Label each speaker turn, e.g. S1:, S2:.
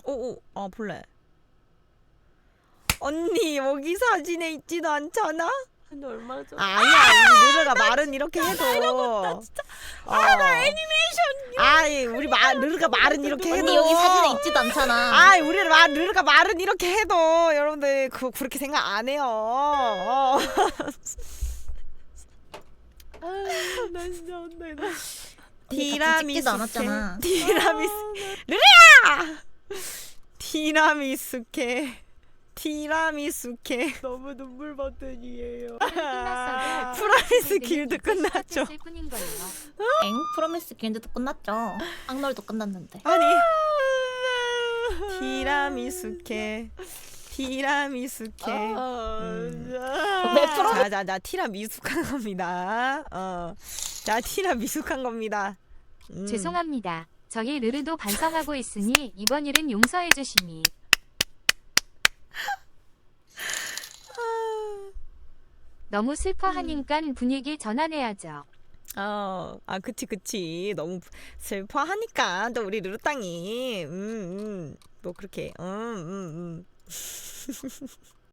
S1: 오오 볼래. 언니 여기 사진에 있지도 않잖아?
S2: 근데 얼마나 좀
S1: 아니야 우리 느르가 말은 이렇게 해도
S2: 진짜
S1: 나 애니메이션 아이 우리 느르가 말은 이렇게 해도
S3: 언니 여기 사진에 있지도 않잖아.
S1: 아이 우리 느르가 말은 이렇게 해도 여러분들 그렇게 생각 안 해요.
S2: 나 진짜 혼나.
S3: 찍지도 않았잖아.
S1: 티라미수케
S2: 너무 눈물 버튼이에요.
S1: 프라미스 길드 끝났죠.
S3: 엥? 프로미스 길드도 끝났죠. 악놀도 끝났는데.
S1: 아니 티라미수케
S3: 왜 프로?
S1: 자자자 티라미숙한 겁니다. 자 티라미숙한 겁니다.
S4: 죄송합니다. 저희 르르도 반성하고 있으니 이번 일은 용서해 주시니. 너무 슬퍼하니깐 분위기 전환해야죠.
S1: 그치 너무 슬퍼하니까 또 우리 르르땅이 뭐 그렇게